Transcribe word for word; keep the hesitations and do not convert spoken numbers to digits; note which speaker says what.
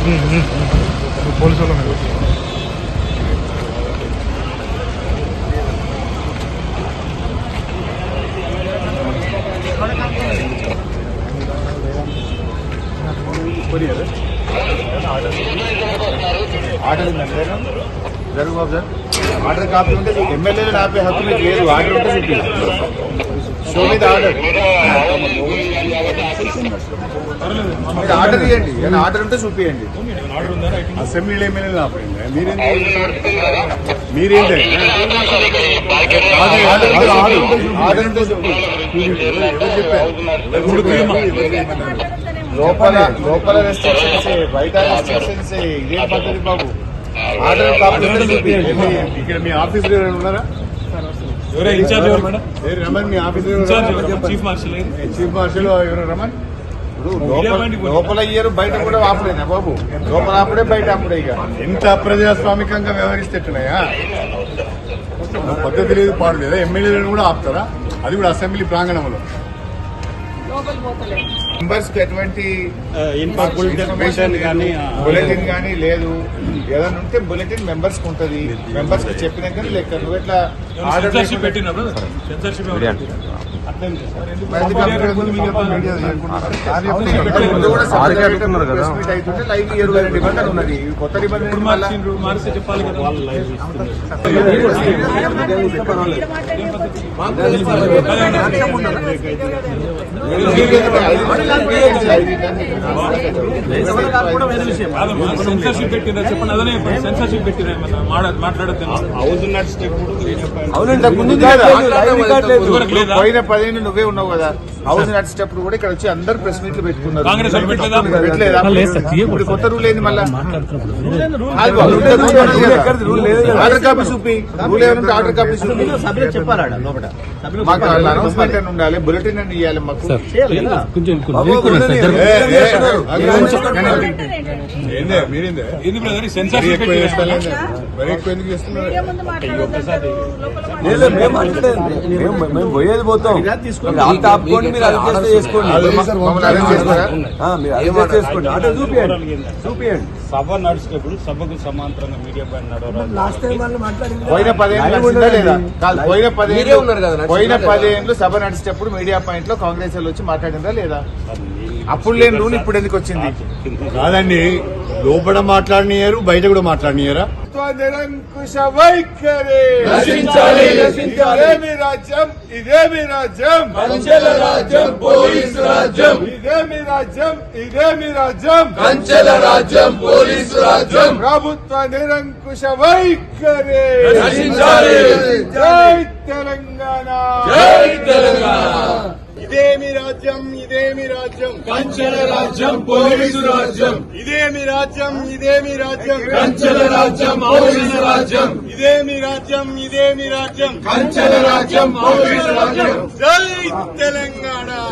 Speaker 1: Police వాళ్ళ మీద
Speaker 2: order జరుగు బాబు సార్. ఆర్డర్ కాపీ ఉంటే ఎమ్మెల్యేలు ఆపే హక్కు మీకు లేదు. ఆర్డర్ ఉంటే చూపి. షో మీద ఆర్డర్ మీరు ఆర్డర్ ఇవ్వండి. ఏమైనా ఆర్డర్ ఉంటే చూపియండి.
Speaker 3: అసెంబ్లీలో ఎమ్మెల్యేలు ఆపండి. మీరేంటి మీరేంటి
Speaker 2: ఆర్డర్ ఉంటే చూపి. లోపల లోపల రెస్ట్రిక్షన్స్ బయట రెస్ట్రిక్షన్స్ ఇదే పద్ధతి బాబు. ఆర్డర్ కాపీ ఉంటే చూపియండి.
Speaker 3: ఇక్కడ మీ ఆఫీస్ ఉన్నారా? రమన్ మీ office
Speaker 4: chief marshal
Speaker 3: chief marshal ఎవరు రమన్?
Speaker 2: లోపల ఇయ్యరు, బయట కూడా ఆపలేనా బాబు? లోపల ఆపడే, బయట ఆపడే. ఇక
Speaker 3: ఎంత అప్రజాస్వామికంగా వ్యవహరిస్తేట్టున్నాయా? పద్ధతి లేదు, పాడు లేదా? ఎమ్మెల్యేలను కూడా ఆపుతారా? అది కూడా అసెంబ్లీ ప్రాంగణంలో.
Speaker 2: మెంబర్స్ కి ఎటువంటి
Speaker 4: ఇన్ఫర్మేషన్ కానీ
Speaker 2: బులెటిన్ కానీ లేదు. ఏదైనా ఉంటే బులెటిన్ మెంబర్స్ కి ఉంటది. మెంబర్స్ కి చెప్పినాక లెక్క. నువ్వు ఎట్లా ఆర్డర్
Speaker 4: పెట్టినప్పుడు
Speaker 2: లైవ్ ఇరవై నిబంధనలు ఉన్నది. కొత్త నిబంధనలు
Speaker 4: మార్చి చెప్పాలి కదా. సెన్సర్షిప్ పెట్టిందా చెప్పండి. అదనే సెన్సర్షిప్ పెట్టినా మాట్లాడద్దు.
Speaker 2: పోయిన పదిహేను నువ్వే ఉన్నావు కదా. హౌస్ నడిచేటప్పుడు కూడా ఇక్కడ వచ్చి అందరు ప్రెస్ మీట్లు పెట్టుకున్నారు.
Speaker 4: కాంగ్రెస్
Speaker 2: పెట్టలేదా? ఇప్పుడు కొత్త రూల్ ఏంది మళ్ళా? ఆర్డర్ కాపీ చూపి. రూల్ ఏమంటే ఆర్డర్ కాపీ చూపి. మాకు అనౌన్స్మెంట్ అని ఉండాలి, బులెటిన్ అని ఇవ్వాలి మాకు.
Speaker 4: సెన్సర్షిప్
Speaker 5: మేము పోయేది పోతాం. ఆపుకోండి, మీరు అడ్జస్ట్ చేసుకోండి. చేసుకోండి ఆర్డర్ చూపియండి చూపియండి.
Speaker 4: సభ నడిచేటప్పుడు సభకు సమాంతరంగా మీడియా పైన నడవరాదు.
Speaker 2: పోయిన పదేళ్ళు లేదా? కాదు, పోయిన పదేళ్ళు పోయిన పదేళ్ళు సభ నడిచేటప్పుడు మీడియా పాయింట్ లో కాంగ్రెస్ వాళ్ళు వచ్చి మాట్లాడిందా లేదా? అప్పుడు లేని రూల్ ఇప్పుడు ఎందుకు వచ్చింది?
Speaker 3: కాదండి, లోపల మాట్లాడినారు, బయట కూడా మాట్లాడినారా?
Speaker 2: నిరంకుశ వైఖరి ఇదేమి రాజ్యం, ఇదేమి రాజ్యం,
Speaker 5: కంచెల రాజ్యం, పోలీసు రాజ్యం.
Speaker 2: ఇదేమి రాజ్యం, ఇదేమి రాజ్యం,
Speaker 5: కంచెల రాజ్యం, పోలీసు రాజ్యం.
Speaker 2: ప్రభుత్వ నిరంకుశ వైఖరి.
Speaker 5: జై
Speaker 2: తెలంగాణ,
Speaker 5: జై తెలంగాణ.
Speaker 3: ఇదేమి రాజ్యం, ఇదేమి రాజ్యం,
Speaker 5: కంచెల రాజ్యం, పోలీసు రాజ్యం.
Speaker 3: ఇదేమి రాజ్యం, ఇదేమి రాజ్యం,
Speaker 5: కంచెల రాజ్యం, పోలీసు రాజ్యం.
Speaker 3: ఇదేమి రాజ్యం, ఇదేమి రాజ్యం,
Speaker 5: కంచెల రాజ్యం, పోలీసు రాజ్యం.
Speaker 3: జై తెలంగాణ.